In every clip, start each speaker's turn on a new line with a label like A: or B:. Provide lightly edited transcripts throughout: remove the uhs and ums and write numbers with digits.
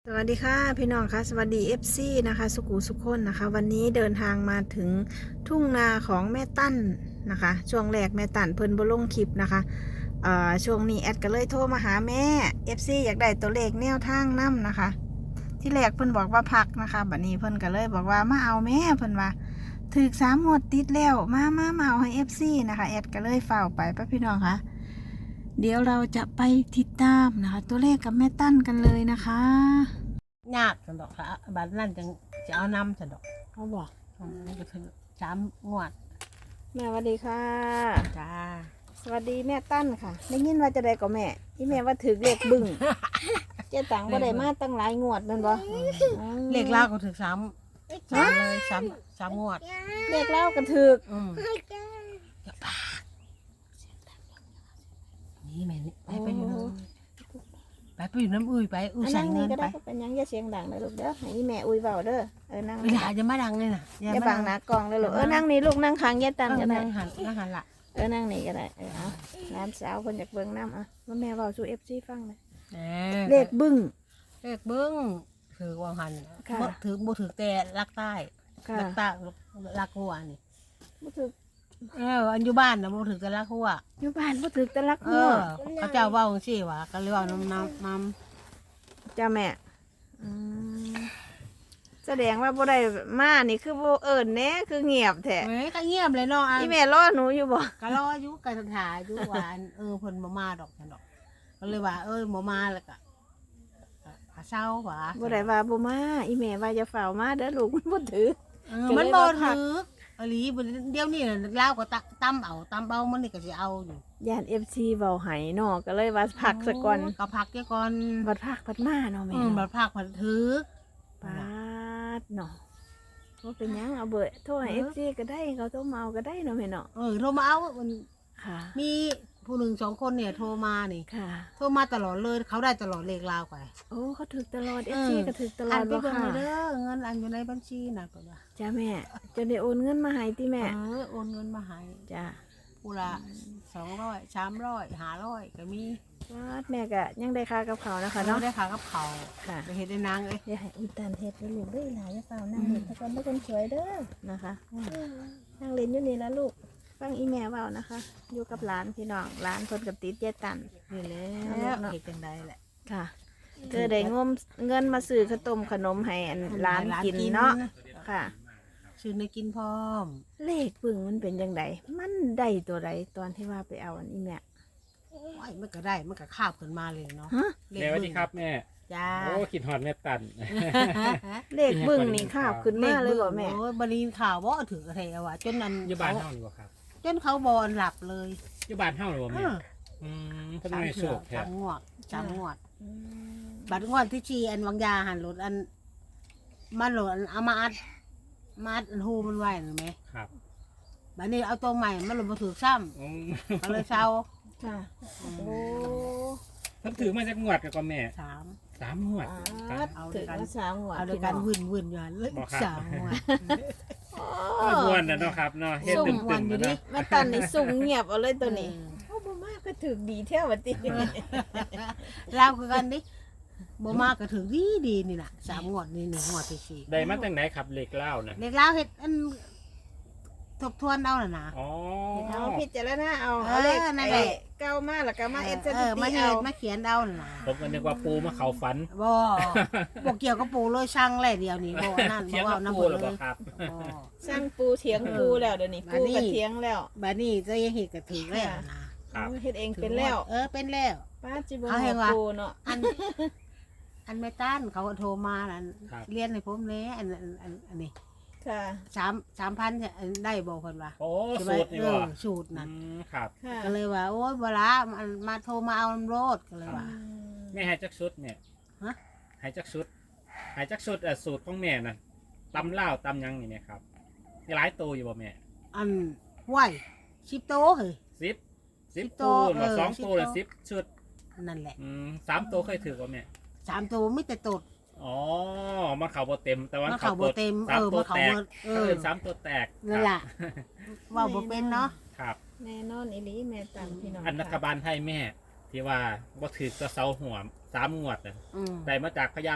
A: สวัสดีค่ะพี่น้องค่ะสวัสดี FC นะคะสุขุสุขคนนะคะวันนี้เดินทางมาถึงทุ่งนาของแม่ตั้นนะคะช่วงแรกแม่ตั้นเพิ่นบ่ลงคลิปนะคะช่วงนี้แอดก็เลยโทรมาหาแม่ FC อยากได้ตัวเลขแนวทางนํนะคะ ที่แรกเพิ่นบอกว่าพักนะคะบัดนี้เพิ่นก็เลยบอกว่ามาเอาแม่เพิ่นว่าถึก3 งวดติดแล้วมาเอาให้ FC นะคะแอดก็เลยฝ้าวไปป้าพี่น้องค่ะเดี๋ยวเราจะไปติดตามนะคะตัวเลขกับแม่ตั้นกันเลยนะคะ
B: ยากสันดอกค่ะบัดนั้นจังจะเอานำสันดอก
A: เขาบอก
B: มันก็ถึง3 งวด
A: แม่สวัสดีค่ะ
B: จ้า
A: สวัสดีแม่ตั้นค่ะได้ยินว่าจะได้กับแม่ที่แม่ว่าถือเลขบึ้ง เจ๊ตังก็ได้มาตั้งหลายงวดนั่นบ่
B: เลขลาวก็ถึง3เลย3 งวด
A: เลขเล่ากันถือ
B: อย่าปากนี่แม่นี่ไปอยู่น้ำไปอยู่น้ำอุ้ยไปอุ้ย
A: อัน
B: ใส่
A: นั่ง
B: เงิ
A: นี่
B: น
A: ก็
B: ไป
A: ได้เป็นหยังอย่าเสียงดังเลยลูกเด้อให้แม่อุ้ยเบาเด้อนั่ง
B: เวลาจะมาดังเลยนะ
A: อย่าบังหน้ากล้องเลยลูกนั่งนี่ลูกนั่งข้างเจ๊ตันก็ได้
B: นั่งหันละ
A: นั่งนี่ก็ได้เอาร้านสาวคนจากเบิ่งน้ำว่าแม่เบาสู่ FC ฟังเลยเลขบึ้ง
B: เลขเบิ้งถือวางหัน
A: ค่ะ
B: ถือบ่ถือแต่ลักใต้
A: ค่ะ
B: ลักใต้ลักหัวนี่
A: บ่ถือ
B: อันอยู่บ้านนะบ่ถือแต่ลักหัว
A: อยู่บ้านบ่ถือแต่ลัก
B: เอ
A: หัว
B: อเขาเจ้าเว่าจังซี่ว่าก็เลยเว่าน้ำ
A: จ้าแม่อืมแสดงว่าบ่ได้มานี่คือบ่เอิ้นแหน่คือเงียบแท้
B: เฮ้ยก็เงียบเลยเนาะอัน
A: อีแม่รอหนูอยู่บ่
B: ก็รออยู่ก็ถ่ายอยู่ว่าอันเพิ่นบ่มาดอกซั่นดอกก็เลยว่าบ่มาแล้วก็เศร้าว่า
A: บ่ได้ว่าบ่มาอีแม่ว่าจะเฝ้ามาเด้อลูกมันบ่ถือ
B: มันบ่ถืออหลีเดี๋ยวนี้น่ะลาวก็ตำเอามันนี่ก็สิเอาอยู่
A: ย่าน FC เว้าให้เนาะก็เลยว่าพักซะก่อน
B: ก็พักเดี๋ยวก่อน
A: บัดพักบัดมาเนาะแม่
B: บั
A: เนาะ
B: ดพักบัดถือ
A: ปาดเนาะบ่เป็นหยังเอาเบอร์โทรให้ FC ก็ได้เขาโทรมาเอาก็ได้เนาะแม่เนาะ
B: โทรมาเอามัน
A: ค่ะ
B: มีผู้หนึ่ง2 คนเนี่ยโทรมานี่
A: ค่ะ
B: โทรมาตลอดเลยเขาได้ตลอดเลขลาวไป
A: โอ้เขาถึกตลอด FC ก็ถึกตลอด
B: ไป
A: บ่
B: เบิ่ง
A: ค่ะ
B: เลยเด้อเงินอันอยู่ในบัญชีน่ะก็ว่า
A: จ้าแม่จะได้โอนเงินมาให้ติแม่
B: โอนเงินมาให้
A: จ้า
B: ผู้ละ200 300 500ก็มี
A: วาดแม่ก็ยังได้ค่ากับเขาวนะคะ
B: เนาะ
A: เนาะ
B: ได้ค่ากับเขาว
A: ค่ะ
B: ไปเฮ็ดได้นางเอ้ย
A: อย่าให้อุยตันเฮ็ดแล้วลูกเด้อหลายอย่าเฝ้านั่งเฮ็ดแต่ก่อนบ่คนสวยเด้อนะคะนั่งเล่นอยู่นี่แล้วลูกฟังอีแม่เว้านะคะ อยู่กับหลานพี่น้องหลานเพิ่นกับติดเจตัน
B: นี่แหละ
A: เนาะ
B: เฮ็ดจังได๋แหละ
A: ค่ะเธอได้งมเงินมาซื้อข้าวต้มขนมให้อันหลานกินเนาะค่ะ
B: ซื้อในกินพร้อม
A: เลขปึ่งมันเป็นจังไดมันได้ตัวใดตอนที่ว่าไปเอาอันอีแม่
B: โอ้ยมันก็ได้มันก็คาบขึ้นมาเลยเนาะ
A: ฮะ
B: เลข
C: แม่สวัสดีครับแม่
B: จ้า
C: โอ้คิดฮอดแม่ตัน
A: เลขบึ้งนี่ข้าวขึ้นมาเลยบ่แม่
B: โอ้ยบ่ได้ยินข่าวบ่ถืออะไรเอาว่ะจนนั้น
C: อยู่บ้านเฮานี่บ่ครับ
B: จนเขาบ่หลับเลย
C: อยู่บ้านเฮานี่บ่
B: เอ
C: แม่
B: อ
C: เพิ่นให้โชคแท้
B: 3 งวดบัดงวดที่ชีอันวางยาหันรถอันมันโหลดอันเอามาอัดอันหูมันไว้เห็นไหม
C: ครับ
B: บัดนี้เอาตัวใหม่มันโหลดมาถือซ้
C: อืม
B: ำก็เลยเศร้า
A: ค่ะโอ้
C: เพิ่นถือมาจากงวดกับแม่
B: 3
C: 3 งวด
B: เอาด้
A: ถึ
B: วย
A: ง
B: กัน
A: ว่าสามหัว
B: เอาด้วยกันวุ่นอยู่หันเลย
C: บอกครับ
B: 3 งวด
C: ม่วนน่ะเนาะครับเนาะเฮ็ด
A: สุ่ม
C: ตึมๆ
B: อยู่
C: นะ
B: ดิ
C: เนาะ
A: มาตันนี่สุ่มเงียบเอาเลยตัวนี้โอ้บ่มากก็ถึกดีแท้ว่าติ
B: เล่าคือกันดิบ่มากก็ถึงดีนี่น่ะ3 งวดนี่1 งวดที่สี่
C: ได้มาจากไหนครับเลขเล่าน่ะ
B: เด็กเล่าเฮ็ดอันทบทวนเอาน่ะนะ
C: อ๋อ
A: เอาพิจารณาเอา
B: เออ
A: เอาเลข
B: นั่นแหละ
A: เก้ามาแล้วก็มาเอ็ดส
B: เอ
A: ถิ
B: อมา
A: ติ
B: เฮ็
A: เอา
B: ดมาเขียนเอาน่ะนะ
C: ผมก็นึกว่าปูมาเข้าฝัน
B: บ่เกี่ยวกับปู่เลยช่างแหละเดียวนี้บ่อันนั่น
C: เถี
B: บ่
C: ยง
B: เว้า
C: กับ
B: นำ
C: ปู
B: เพิ่น
C: หรือ
B: เล
C: เปล่าย ครับ
B: บ่
A: สร้างปูเถียงปูแล้วเดี๋ยวนี้
B: บั
A: ปู
B: ดนี้
A: ก็เถียงแล้ว
B: บัดนี้จะยังเฮ็ดก็ถึงแล้วนะ
C: ครับ
A: เอาเฮ็ดเองเป็นแล้ว
B: เป็นแล้ว
A: ป้าจิบ่
B: เอาให้
A: เอา
B: ว่า
A: ปูเนาะ
B: อันแม่ต้านเขาก็โทรมานั่น
C: ครับ
B: เรียนให้ผมแหน่อันนี้
A: ค่ะ
B: 3,000เนี่ยได้บ่เพิ่นว่า
C: โอ้
B: ใช่ไหม
C: สูตรนี่บ่
B: สูตรนั่น
C: ครับ
A: ค่ะ
B: ก็เลยว่าโอ๊ยบ่ละมาโทรมาเอาโลดก็เลยว่า
C: แม่ให้จักชุดเนี่ย
B: ฮะ
C: ให้จักชุดสูตรของแม่น่ะตำลาวตำหยังนี่แม่ครับมีหลายตัวอยู่บ่แม่
B: อันไหว10 โตเฮ้ย
C: 10
B: โต
C: ตัวหรือ
B: เออ
C: 2 ตัวหรือ
B: 10
C: 10ชุด
B: นั่นแหละ
C: 3ตัวเคยถือบ่แม่
B: 3 ตัวมีแต่ตด
C: อ๋อมันเข่าบ่เต็มแต่ว่า
B: มันเข้าบ่เต็ม
C: สามตัว
B: มันเข้า
C: แตก
B: บ่
C: เออสามตัวแตก
B: นั่นล่ะเว้าบ่เป็นเนาะ
C: ครับ
A: แน่นอนอีหลีแม่ตังพี่น้อง
C: อันรัฐบาลไทยแม่ ที่ว่าบ่ถือกระเซาหัว3 งวดน่ะ
B: อืม
C: ได้มาจากพญาบึง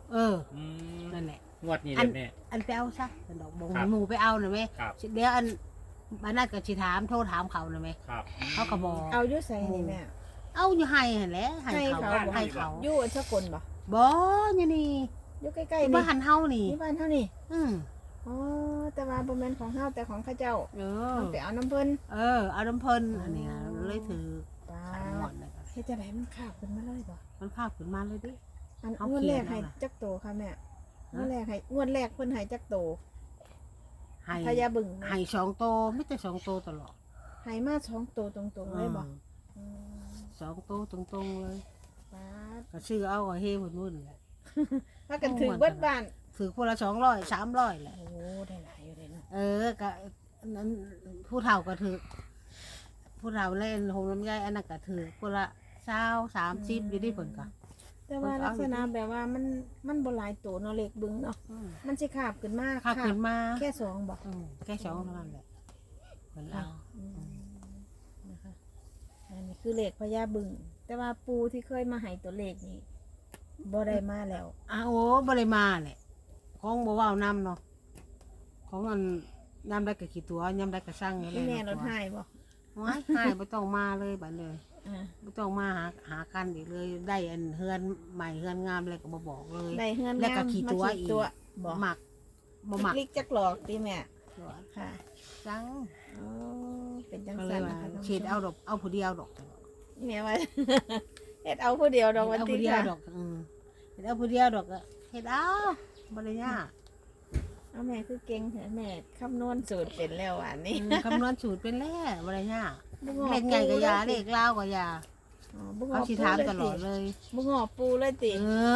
C: อืม
B: นั่นแหละ
C: งวดนี้เด้อแม่
B: อันไปเอาซะอันดอกบง
C: ครับ
B: หนูไปเอาหน่อยไหม
C: ครับ
B: เดี๋ยวอันบ้านนั่นก็สิถามโทรถามเขาหน่อยไหม
C: ครับ
B: เขาก็บอก
A: เอาอยู่ใส่นี่แม่
B: เอาอยู่ให้หั่นแหละให้
A: ให้
B: เขา
A: เขา
B: ให้เขา
A: อยู่อันสกลบ่
B: บ่อยู่นี่
A: อยู่ใกล้
B: ที่
A: ๆ
B: บ้า
A: นี่
B: นเฮานี่
A: นี่บ้านเท่านี่
B: อืม
A: อ๋อแต่ว่าบ่แม่นของเฮาแต่ของข้าเจ้า
B: เออ
A: เอาไปเอาน้ำเพิ่น
B: เอาน้ำเพิ่นอันนี้เลยถือ
A: ป้า
B: สามหมอนเลย
A: เฮ็ดจังไดมันข้าวขึ้นมาเลยบ่
B: มันภาพขึ้นมาเลยดิ
A: อัน
B: เอา
A: งวด
B: เขี
A: แร
B: ยน
A: กให้
B: เอาล่ะ
A: จักโตค่ะแม่
B: ฮะ
A: งวดแรกเพิ่นให้จักโต
B: ให้
A: พญาบึ้ง
B: ให้2โตไม่แต่2โตตลอด
A: ให้มา2โตตรงๆเลยบ่อืม
B: 2โตตรงๆเลย
A: ป้าด
B: ก็ชื่อเอาก็เฮวุ่นๆแหละ
A: พากันถึงเบิดบ้าน
B: ถือคนละ200 300แหละ
A: โอ้ได้หลายอยู่เลยเนาะ
B: ก็นั้นผู้เฒ่าก็ถือผู้เฒ่าเล่นโฮมลำไยอันนั้นก็ถือคนละ20 30อยู่ที่เพิ่นก็
A: แต่ว่าลักษณะแบบว่ามันบ่หลายโตเนาะเลขบึ้งเนาะมันสิขาบขึ้นมา
B: ภาพขึ้นมา
A: แค่สองบ่
B: แค่2เท่านั้นแหละเพิ่นเอา
A: อืมนะคะอันนี้คือเลขพญาบึ้งแต่ว่าปูที่เคยมาให้ตัวเลขนี่บ่ได้มาแล้ว
B: โอ้บ่ได้มาแหละของบ่เว้านำเนาะของอันยามได้ก็กี่ตัวยามได้ก็สั่งอยู่
A: พี่แม่รถ
B: ให้
A: ให้บ่
B: ว้ายให้บ่ต้องมาเลยบัดเลย
A: อ่า
B: บ่ต้องมาหากันอีกเลยได้อันเฮือนใหม่เฮือนงามอะไรก็บ่บอกเลย
A: ได้เฮือน
B: แล้วก็
A: งาม
B: ขี่
A: มา
B: ตัว
A: ขี่
B: อีก
A: ตัวบ่
B: หมักบ่หมัก
A: คลิกจักหลอกติแม่
B: ตัว
A: ค่ะ
B: จัง
A: อ๋อเป็นจัง
B: ก็เล
A: ซั่
B: ย
A: น
B: ว่า
A: นะคะท่านผู้ชม
B: ฉีดเอาดอกเอาผู้เดียวดอก
A: แม่ว่า เฮ็ดเอาผู้เดียวดอกวัน
B: เอา
A: ที่
B: ผู้เดียว
A: ค่ะ
B: ดอกเฮ็ดเอาผู้เดียวดอกก็เฮ็ดเอาบ่ได้ยาก
A: เอาแม่คือเก่งเหรอแม่คำนวณสูตรเป็นแล้วอันนี้
B: คำนวณสูตรเป็นแล้วบ่ได้ยาก
A: บ่งอ
B: เลขใหญ่ก็ยา
A: ปู
B: เลขลาวก็ยา
A: อ๋อบ่งอ
B: เขาสิ
A: ปู
B: ถาม
A: เลย
B: ตลอดเลย
A: บ่งอปูเลยติ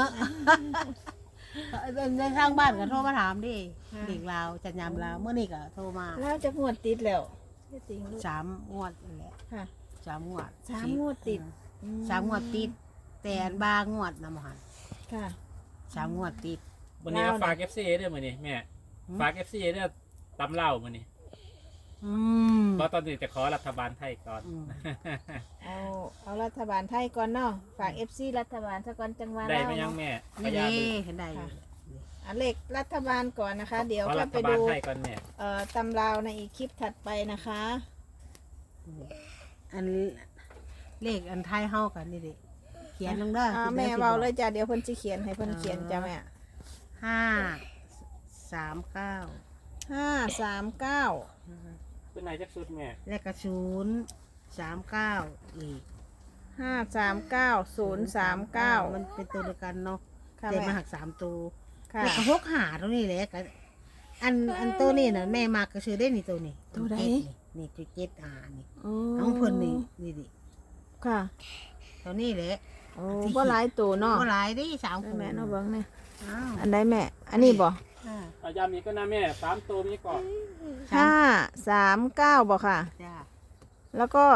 B: ในทางบ้านก็โทรมาถามดิ
A: ค่ะ
B: เด็กลาวจัดยามลาวเมื่อนี้ก็โทรมา
A: แล้วจะงวดติดแล้วเฮ็ดจริงลูก
B: 3 งวดนี่แหละ
A: ค่ะ
B: 3 งวด
A: สามงวดติด
B: อืม3 งวดติด แต่อันบางงวดนำหัน
A: ค่ะ
B: 3 งวดติด
C: วันนี้ก็
A: ลาวน่ะ
C: ฝาก FC เด้อมื้อนี้แม่
B: หืม
C: ฝาก FC เด้อตำเล่ามื้อนี้
B: อืม
C: เพราะตอนนี้จะขอรัฐบาลไทยก่อน
B: อืม
A: เอารัฐบาลไทยก่อนเนาะฝาก FC รัฐบาลซะก่อนจังหวะ
C: ได้
A: ลาว
C: ไหมยัง
A: เนาะ
C: แม่พ
B: นี่
C: ญา
B: เด้
C: บึ้ง
B: เห็นได้อยู่
A: อันเลขรัฐบาลก่อนนะคะ เดี๋ยว
C: ขอ
A: ก็
C: รั
A: ไป
C: ฐบาล
A: ดู
C: ไทยก่อนแม่
A: ตำราวในอีกคลิปถัดไปนะคะ
B: อันเลขอันไทยเฮากันนี่ดิเขียนลงเด้อ
A: แม่เบาเลยจ้ะเดี๋ยวเพิ่นสิเขียนให้เพิ่นเขียนจ้ะแม่
B: 539
A: 539
C: เป็นไหนจักสุดแม่
B: แล้วก็039อีก
A: 539
B: มันเป็นตัวเดียวกันเนาะ
A: ค่ะ
B: แต่
A: แม่
B: มาหัก3ตัว
A: ค่ะ
B: แล้วก็6หาตัวนี้แหละก็อันตัวนี้น่ะแม่มักก็ซื้อได้นี่ตัวนี้
A: ตัวใด
B: นี่คือ7หานี่
A: โอ้
B: น้องเพิ่นนี่ดิ
A: ค่ะ
B: ตัวนี้แหละ
A: โอ้บ่หลายตัวเนาะ
B: บ่หลายดิ3
A: ได้
B: คู่
A: แม่เนาะเบิ่งนี่
B: อ้าว
A: อันใดแม่ อันนี้บ่
C: เอาย้ำอีกก็นะแม่3ตัวมีก่อน
A: 539บ่ค่ะ
B: จ้า
A: แล้วก็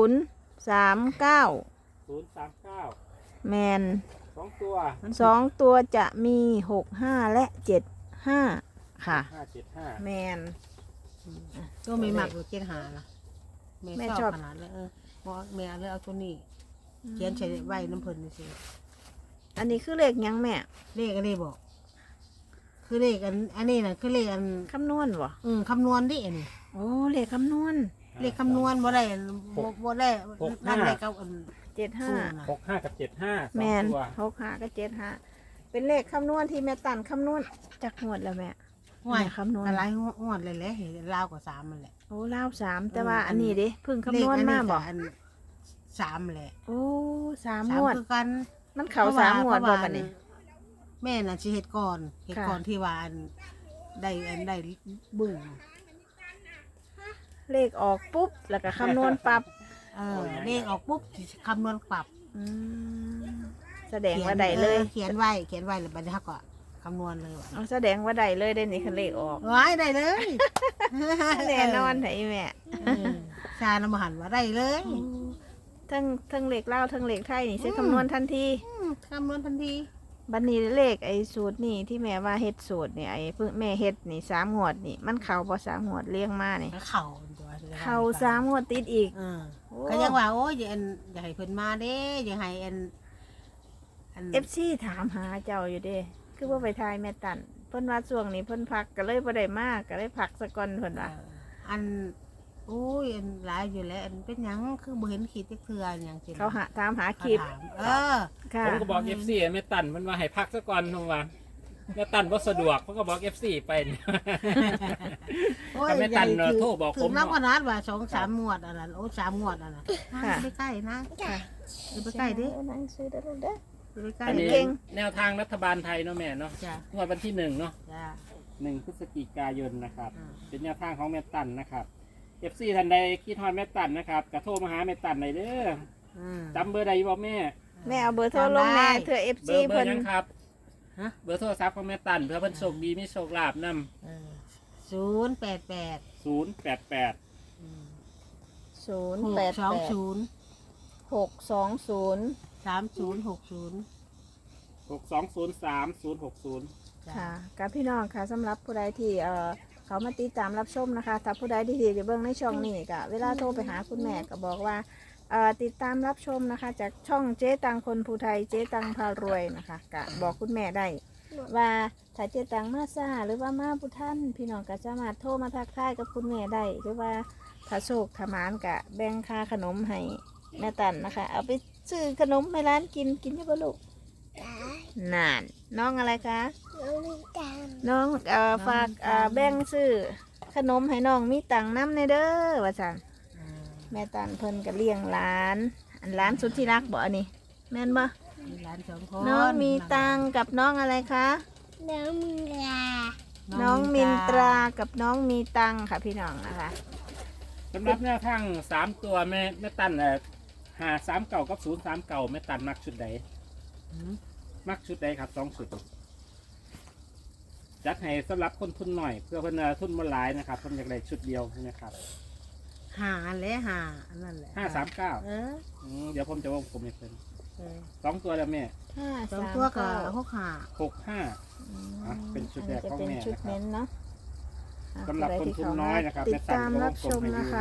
A: 039
C: 039
A: แมน
C: 2ตัว
A: 2 ตัวจะมี65และ75ค่ะ
C: 575
A: แมน
B: ตัวไม่มักอยู่7หาล่ะ
A: แม่
B: แม่
A: ช
B: ช
A: อ
B: อบ บขนาดเลยบ่แม่เลยเอาตัวนี้เขียนใส่ไว้น้ำเพิ่นนี่สิ
A: อันนี้คือเลขหยังแม่
B: เลขอันนี้บอกคือเลขอันนี้น่ะคือเลขอัน
A: คำนวณบ่
B: คำนวณดิอันนี้
A: โอ้เลขคำนวณ
B: เลขคำนวณบ่ได้บ่ได้นั่นเลขกับ
A: 75
B: อันน่ะ
C: 65กับ75
A: แมน
C: 2ตัว
A: 65กับ75เป็นเลขคำนวณที่แม่ตันคำนวณจากงวดแล้วแม่
B: ห่วย
A: แม่คำนวณ
B: อะไรงวดเลยแหละเห็นลาวกว่า3มันแหละ
A: โอ้ลาว3แต่ว่าอันนี้เด้เพิ่งคำนวณมาบ่
B: เลขอัน3แหละ
A: โอ้สาม
B: สาง
A: วด
B: คือกัน
A: มันเข้าสามงวดบ่บัดนี้
B: แม่น่ะสิเฮ็ดก่อนที่ว่าอันได้บึ้ง
A: เลขออกปุ๊บแล้วก็คำนวณปรับ
B: เลขออกปุ๊บสิคำนวณปรับ
A: อืมแสดงว่าได้เลย
B: เขียนไว้แล้วบัดนี้เฮาก็คำนวณเลยว่ะ
A: เอาแสดงว่าได้เลยได้นี่คันเลขออก
B: ว้ายได้เลย
A: แน่นอนไถแม่
B: ชาละมหันว่าได้เลย
A: ทั้งเลขเล่าวทั้งเลขไทยนี่ใช้คำนวณทันที
B: คำนวณทันที
A: บัดนี้เลขไอ้สูตรนี่ที่แม่ว่าเฮ็ดสูตรนี่ไอ้เพิ่งแม่เฮ็ดนี่3 งวดนี่มันเข้าบ่3 งวดเลี้ยงมานี่
B: เข่าตัว
A: เข้า3 งวดติดอีก
B: ก็ยังว่าโอ้ยอย่าให้เพิ่นมาเด้อย่าให้อัน
A: FC ถามหาเจ้าอยู่เด้คือว่าไปทายแม่ตันเพิ่นว่าช่วงนี้เพิ่นพักก็เลยบ่ได้มากก็เลยพักซะก่อนเพิ่นว่า
B: อันโอ้ยอันหลายอยู่แล้วอันเป็นหยังคือบ่เห็นขีดจักเทื่อหยังสิ
A: เขาหาตามหาคลิป
B: ถาม
A: ค่ะ
C: ผมก็บอก FC แม่ตันมันว่าให้พักซะก่อนทุกวันแม่ตันบ่สะดวกผมก็บอก FC ไปเนี่ย
B: โอ้ย
C: แต่แม่ตัน
B: ใหญ่
C: โทรบอก
B: ถึ
C: ผม
B: งนักวนัดว่า2-3งวดอันนั้นโอ้3งวดอันนั้น
A: ค่ะ
B: ไปใกล้นะ
A: ค่ะ
B: อย่าไปใกล้ดิ
A: นั่งซื้อได้ลูกเด้อ
B: อย่าไปใกล้
C: อันนี้
A: เก่ง
C: แนวทางรัฐบาลไทยเนาะแม่เนาะ
B: จ้ะ
C: งวดวันที่1เนาะ
B: จ้ะ
C: 1พฤศจิกายนนะครับ
B: อ่า
C: เป็นแนวทางของแม่ตันนะครับ FC ท่านใดคิดฮอดแม่ตันนะครับก็โทรมาหาแม่ตันได้เด้อ
B: อืม
C: จำเบอร์ใดอยู่บ่แม่
A: แม่เอาเบอร์โทรลงแม่เถื่อ
C: เบ
A: FC
C: อร์
A: เพิ่น
C: ยังครับ
B: ฮะ
C: เบอร์โทรศัพท์ของแม่ตันเพื่อเพิ่นโชคดีมีโชคลาภนำ
B: เออ088
C: 088
B: อืม
A: 088
B: 620
A: 620
B: 3060
A: ค่ะกับพี่น้องค่ะสำหรับผู้ใดที่เขามาติดตามรับชมนะคะถ้าผู้ใดที่ดีเบิ่งในช่องนี้ก็เวลาโทรไปหาคุณแม่ก็บอกว่าติดตามรับชมนะคะ จากช่องเจ๊ตังคนภูไทยเจ๊ตังพารวยนะคะก็บอกคุณแม่ได้ ว่าถ้าเจ๊ตังมาซ่าหรือว่ามาผู้ท่านพี่น้องก็สามารถโทรมาทักทายกับคุณแม่ได้หรือว่าถ้าโชคถ้ามานกะแบ่งค่าขนมให้แม่ตันนะคะ เอาไปซื้อขนมให้ร้านกินกินยังบ่ลูกนานน้องอะไรคะ น้องฝากแบ่งซื้อขนมให้น้องมีตังค์น้ำในเด้อว่าจันแม่ตันเพิ่นก็เลี้ยงหลานอันหลานสุดที่รักบ่อันนี้แม่นบ่
B: มีหลาน2คน
A: น้องมีตังค์กับน้องอะไรคะ น้องมินตรากับน้องมีตังค์ค่ะพี่น้องนะคะ
C: สำหรับแนวทาง3ตัวแม่ตัน539กับ039แม่ตันมักชุดใด
B: อืม
C: มักชุดใดครับ2ชุดจัดให้สำหรับคนทุนหน่อยเพื่อเพิ่นทุนบ่หลายนะครับเพิ่นอยากได้ชุดเดียวนะครับ
B: หาและหาอันนั่นแหละ
C: 539
B: เออ
C: เดี๋ยวผมจะวงกลมให้เพิ่น
B: เออ
C: 2ตัวแล้วแม่
B: สองตัวก็
A: 539
C: 65 เป็นชุดแรกของแม่
A: นนี้จะเป็นชุด
C: นะครับ
A: เน้นเนาะอ่ะ
C: สำหรับคนทุนน้อยนะครับ
A: ติดตามรับชม
C: แม่ตันก็วงกลมให้ดู
A: นะคะ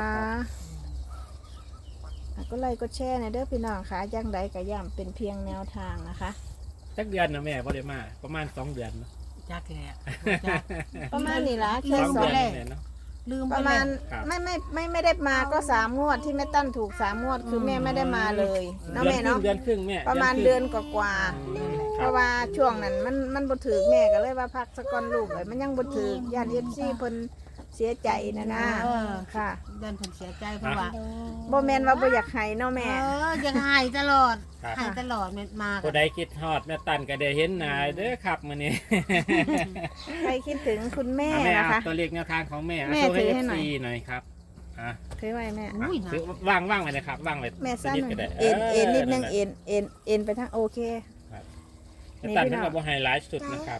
A: ก็ไลค์ก็แชร์ในเด้อพี่น้องค่ะย่างใดก็ย่ำเป็นเพียงแนวทางนะคะ
C: จักเดือนนะแม่บ่ได้มาประมาณ2 เดือนเนาะ
B: จักแหละจัก
A: ประมาณนี้ละ
B: ลื
A: แค่
B: ม
A: ส
B: ไป
A: อง
B: แล้ว
C: แม่เนาะ
B: ลืม
A: ป
B: ไประ
A: มาณ
C: ครับ
A: ไม่ได้มาก็3 งวดที่แม่ตั้นถูก3 งวดคือแม่ไม่ได้มาเลยเนาะแม่เนาะ
C: เดือนครึ่งแม่
A: ประมาณเดือนกว่า
C: อืม
A: ๆ
C: ค
A: เพ
C: รับ
A: ราะว่าช่วงนั้นมันบ่ถือแม่ก็เลยว่าพักสะก่อนลูกเลยมันยังบ่ถือย่านFCเพิ่นเสียใจนะนะ
B: เออ
A: ค่ะ
B: เดินผลเสียใจเพราะว่า
A: บ่แม่นว่าบ่อยากให้เนาะแม่
B: ยังหายตลอด
C: ครับ
B: หายตลอดเม็ดมา
C: ผู้ใดคิดฮอดแม่ตันก็ได้เห็นหน้าเด้อครับมื้อนี้
A: ใครคิดถึงคุณแม่
C: แม่
A: นะคะ
C: ตัวเลขแนวทางของแม่
A: แม่
C: โชว์ให้
A: ถือให้หน่อย
C: FC หน่อยครับอ่ะ
A: ถือไว้แม่
B: อุ้ยนะ
C: ถือวางไว้เลยครับวางไว้
A: แม่สั้น
C: นิดก็ได้
A: เอ็นนิดนึง
C: นั่นแหละ
A: เอ็นไปทางโอเค
C: แม่ตันเพิ่นก็บ่ให้หลายสุดนะครับ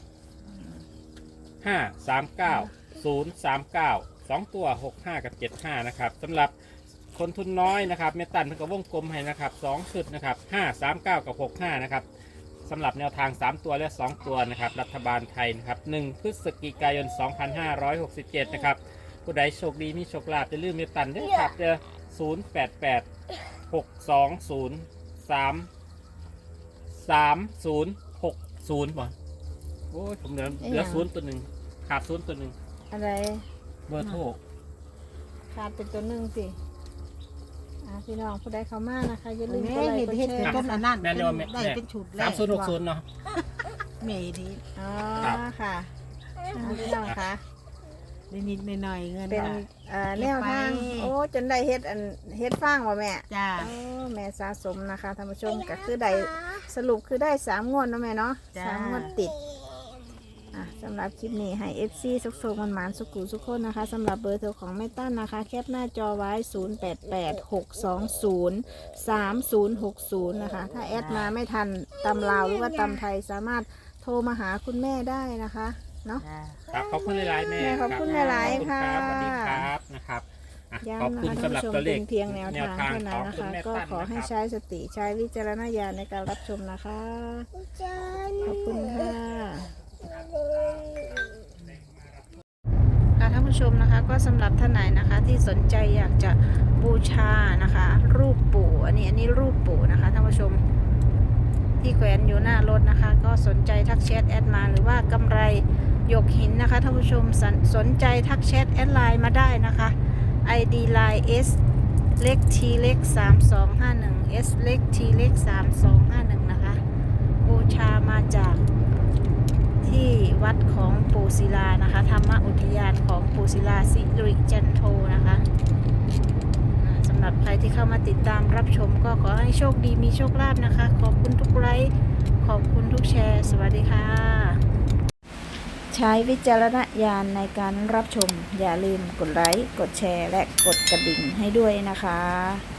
C: 539 039 2ตัว65กับ75นะครับสำหรับคนทุนน้อยนะครับแม่ตันเพิ่นก็วงกลมให้นะครับ2ชุดนะครับ539กับ65นะครับสำหรับแนวทาง3ตัวและ2ตัวนะครับรัฐบาลไทยนะครับ1พฤศจิกายน2567นะครับผู้ใดโชคดีมีโชคลาภอย่าลืมแม่ตันเด้อครับเด้อ088 620 3060บ่โอ้ยผมเหลือ0ตัวหนึ่งขาด0ตัวหนึ่ง
A: อะไร
C: เบอร์โทร
A: ขาดเป็นตัวหนึ่งสิพี่น้องผู้ใดเข้ามานะคะอย่าลืม
B: แม่
A: กดไล
B: เห็
A: ค์
B: น
A: กด
B: เห็น
A: แช
B: เป็น
A: ร์
B: ต้นอันนั้น
C: แม่เรียกว่าแม่
B: ได้เป็นชุดแรก
C: 3060เนาะ
B: แม่ดี
A: อ๋อ
C: ครับ
A: ค่ะพี่น้องคะ
B: นิดๆหน่อยๆเงิน
A: เป็น
B: ว่ะ
A: แนวทาง
B: เก็บไป
A: โอ้จนได้เฮ็ดฟางว่ะแม่
B: จ้า
A: โอ้แม่สะสมนะคะท่านผู้ชมก็คือได้สรุปคือได้3 งวดเนาะแม่เนาะ
B: จ้า
A: 3 งวดติดสำหรับคลิปนี้ให้ FC สุกๆมันหมานๆสุกุสุกคนนะคะสำหรับเบอร์โทรของแม่ตั้นนะคะ แคปหน้าจอไว้ 0886203060 นะคะ ถ้าแอดมาไม่ทันตำลาวหรือว่าตำไทยสามารถโทรมาหาคุณแม่ได้นะคะเนาะ
B: จ้า
C: ครับขอบคุณหลายๆแม่
A: แม่ขอบคุณ
C: รับ
A: หลายๆ
C: ขอบณ
A: ค่ะ
C: รับสวัสดีครับนะครับอ่ะ
A: ย้ำ
C: ขอบ
A: นะ
C: คุณ
A: คะ
C: สำหรับ
A: ท่านผู้ชม
C: ตัวเล
A: เป็
C: ข
A: นเพียงแนวทางเท่านั้น
C: ของ
A: นะ
C: คุณ
A: คะ
C: แม่
A: ก็
C: ตั้น
A: ขอให้
C: นะครับ
A: ใช้สติใช้วิจารณญาณในการรับชมนะคะ ขอบคุณค่ะท่านผู้ชมนะคะก็สำหรับท่านไหนนะคะที่สนใจอยากจะบูชานะคะ รูปปู่อันนี้รูปปู่นะคะท่านผู้ชมที่แขวนอยู่หน้ารถนะคะ ก็สนใจทักแชทแอดมาหรือว่ากำไรหยกหินนะคะท่านผู้ชมสนใจทักแชทแอดไลน์มาได้นะคะ ID line S เล็ก T เล็ก3251 S เล็ก T เล็ก3251นะคะบูชามาจากที่วัดของปู่ศิลานะคะธรรมอุทยานของปู่ศิลาสิริจันโทนะคะสำหรับใครที่เข้ามาติดตามรับชมก็ขอให้โชคดีมีโชคลาภนะคะขอบคุณทุกไลค์ขอบคุณทุกแชร์สวัสดีค่ะใช้วิจารณญาณในการรับชมอย่าลืมกดไลค์กดแชร์และกดกระดิ่งให้ด้วยนะคะ